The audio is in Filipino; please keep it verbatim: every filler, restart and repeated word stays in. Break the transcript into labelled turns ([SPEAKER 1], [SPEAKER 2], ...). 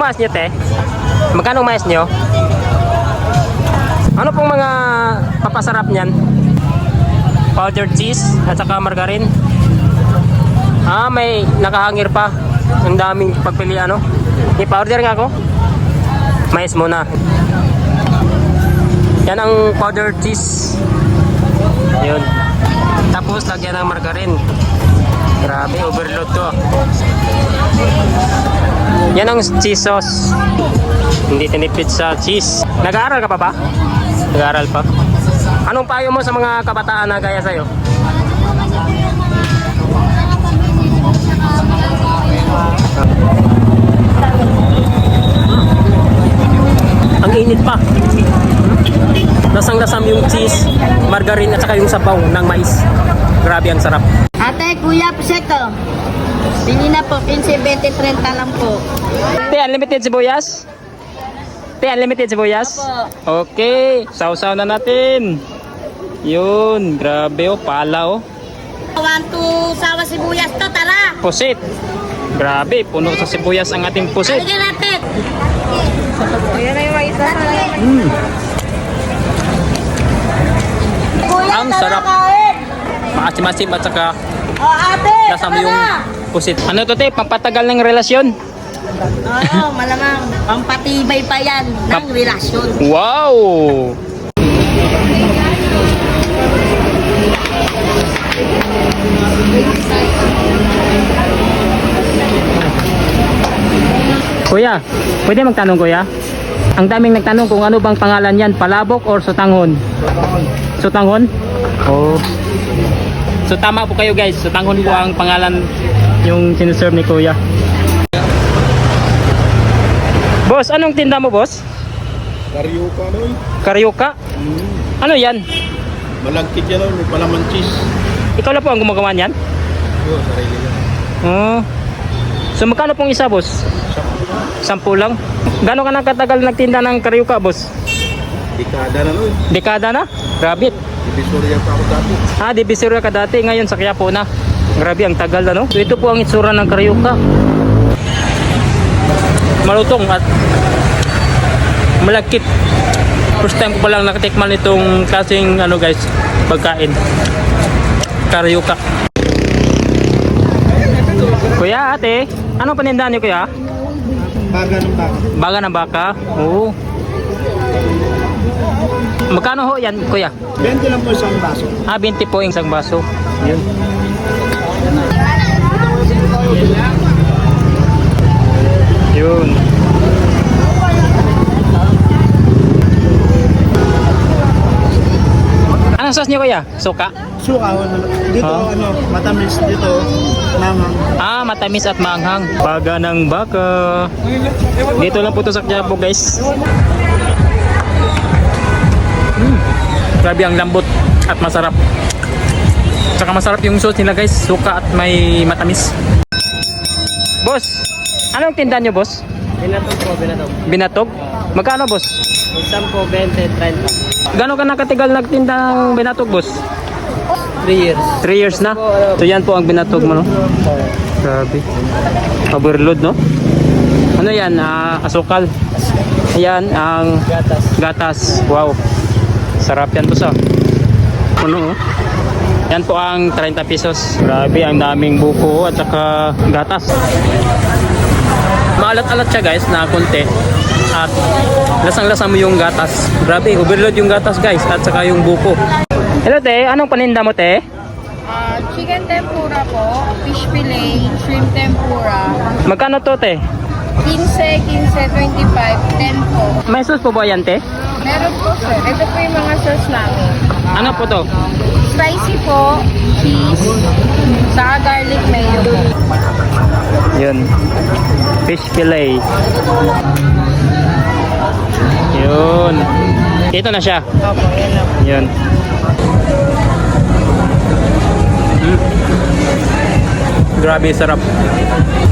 [SPEAKER 1] mais nyo, te? Magkano ang mais nyo? Ano pong mga papasarap niyan? Powdered cheese at saka margarine. Ah, may nakahangir pa. Ang daming pagpili ano. I-powder nga ako. Mais muna. Yan ang powdered cheese. Yun. Tapos lagyan ng margarine. Grabe, overload to. Yan ang cheese sauce. Hindi tinipid sa cheese. Nag-aaral ka pa ba? Nag-aaral pa. Anong payo mo sa mga kabataan na gaya sa'yo? Ang init pa. Lasang-lasam yung cheese, margarine at saka yung sabaw ng mais. Grabe ang sarap.
[SPEAKER 2] Ate, kuya, piseto. Bili na po, fifteen, twenty, thirty lang po.
[SPEAKER 1] Te, unlimited sibuyas? Te, unlimited sibuyas?
[SPEAKER 2] Opo.
[SPEAKER 1] Okay, sausaw na natin. Yun, grabe oh, pala oh.
[SPEAKER 2] One, two, sawa sibuyas to, tara.
[SPEAKER 1] Pusit. Grabe, puno sa sibuyas ang ating pusit.
[SPEAKER 2] Halika natin. Ayan na yung isa.
[SPEAKER 1] Mm.
[SPEAKER 2] Kuya,
[SPEAKER 1] Ang
[SPEAKER 2] tara
[SPEAKER 1] sarap.
[SPEAKER 2] kain.
[SPEAKER 1] Maasim-asim at saka
[SPEAKER 2] O, ate,
[SPEAKER 1] lasam
[SPEAKER 2] tara
[SPEAKER 1] yung
[SPEAKER 2] na.
[SPEAKER 1] pusit. Ano to te, pampatagal ng relasyon?
[SPEAKER 2] Oo, malamang. Pampatibay pa yan ng
[SPEAKER 1] Pap-
[SPEAKER 2] relasyon.
[SPEAKER 1] Wow! Kuya, pwede magtanong kuya? Ang daming nagtanong kung ano bang pangalan yan, palabok or sutanghon? Sutanghon? Oh. So tama po kayo guys, sutanghon po ang pangalan yung sinuserve ni kuya. Boss, anong tinda mo boss?
[SPEAKER 3] Karyoka no?
[SPEAKER 1] Karyoka?
[SPEAKER 3] Hmm.
[SPEAKER 1] Ano yan?
[SPEAKER 3] Malagkit yan no? May palaman cheese.
[SPEAKER 1] Ikaw na po ang gumagawa niyan?
[SPEAKER 3] Yo, sarili yan.
[SPEAKER 1] Oh. So magkano pong isa boss? Sampu lang? Gano'n ka na katagal nagtinda ng karyoka boss?
[SPEAKER 3] Dekada na no?
[SPEAKER 1] Dekada na? Grabe.
[SPEAKER 3] Divisoria pa ako dati.
[SPEAKER 1] Ah, Divisoria ka dati, ngayon sa Quiapo na. Grabe, ang tagal na no? So ito po ang itsura ng karyoka. Malutong at malagkit. First time ko pa lang nakatikman itong klaseng ano guys, pagkain. Karyoka. Kuya, ate, anong panindahan niyo kuya?
[SPEAKER 3] Baga ng baka.
[SPEAKER 1] Baga ng baka? Oo. Magkano ho yan kuya?
[SPEAKER 3] twenty lang po isang baso.
[SPEAKER 1] Ah, twenty po yung isang baso. Yun. Yun. Anong sauce niyo kuya? Suka?
[SPEAKER 3] Suka, dito
[SPEAKER 1] Ah.
[SPEAKER 3] ano, matamis dito, namang.
[SPEAKER 1] Ah, matamis at maanghang. Baga ng baka. Dito lang po to sa Quiapo guys. Hmm. Grabe ang lambot at masarap. Tsaka masarap yung sauce nila guys. Suka at may matamis. Boss, anong tindahan nyo boss?
[SPEAKER 4] Binatog po, binatog.
[SPEAKER 1] Binatog? Magkano boss?
[SPEAKER 4] Isang po, twenty, thirty.
[SPEAKER 1] Gano'n ka nakatigal nagtinda ng binatog boss?
[SPEAKER 4] three years.
[SPEAKER 1] three years na? So yan po ang binatog mo no? Grabe. Overload no? Ano yan? Ah, asukal. Ayan ang
[SPEAKER 4] Gatas.
[SPEAKER 1] gatas. Wow. Sarap yan to sa. Ano oh? Yan po ang thirty pesos. Grabe, ang daming buko at saka gatas. Maalat-alat siya guys na konti. At lasang-lasa mo yung gatas. Grabe, overload yung gatas guys at saka yung buko. Hello te, anong paninda mo te?
[SPEAKER 5] Ah, chicken tempura po, fish fillet, shrimp tempura.
[SPEAKER 1] Magkano to te?
[SPEAKER 5] fifteen, fifteen, twenty-five, ten po.
[SPEAKER 1] May sauce po ba yan te?
[SPEAKER 5] Meron po sir. Ito po yung mga sauce namin.
[SPEAKER 1] Ano po to?
[SPEAKER 5] Spicy po, cheese, saka garlic mayo.
[SPEAKER 1] Yun. Fish fillet. Yun. Ito na siya.
[SPEAKER 5] Opo, yan lang.
[SPEAKER 1] Yun. Hmm. Grabe sarap.